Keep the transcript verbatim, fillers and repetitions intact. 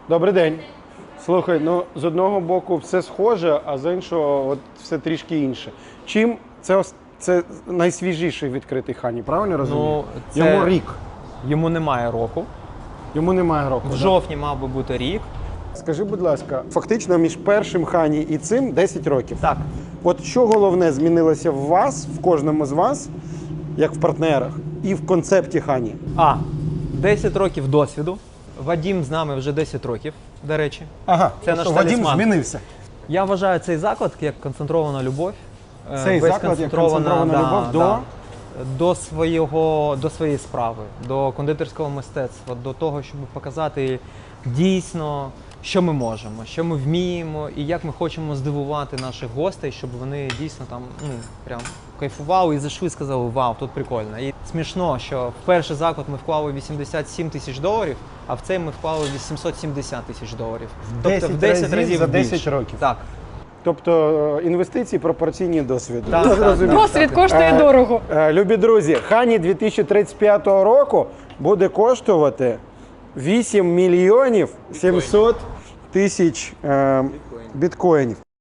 Добрий день. Слухай, ну з одного боку все схоже, а з іншого от все трішки інше. Чим це ос- це найсвіжіший відкритий Хані, правильно розумію? Ну, це- Йому рік. Йому немає року. Йому немає року. В да? жовтні мав би бути рік. Скажи, будь ласка, фактично між першим Хані і цим десять років. Так. От що головне змінилося в вас, в кожному з вас, як в партнерах, і в концепті Хані? А. десять років досвіду. Вадім з нами вже десять років, до речі. Ага, Це наш Вадим талісман. змінився. Я вважаю цей заклад як концентрована любов. Е, Цей весь заклад як концентрована любов до? до, свого, до своєї справи, до кондитерського мистецтва, до того, щоб показати дійсно, що ми можемо, що ми вміємо і як ми хочемо здивувати наших гостей, щоб вони дійсно там ну, прям кайфували і зайшли і сказали, вау, тут прикольно. І смішно, що в перший заклад ми вклали вісімдесят сім тисяч доларів, а в цей ми вклали вісімсот сімдесят тисяч доларів. десять разів за десять більше. років. Так. Тобто е, інвестиції пропорційні досвіду. Так, Я так, зрозумів. так. Досвід коштує Е, дорого. е, Любі друзі, Хані дві тисячі тридцять п'ятого року буде коштувати вісім мільйонів сімсот тисяч е, біткоїнів.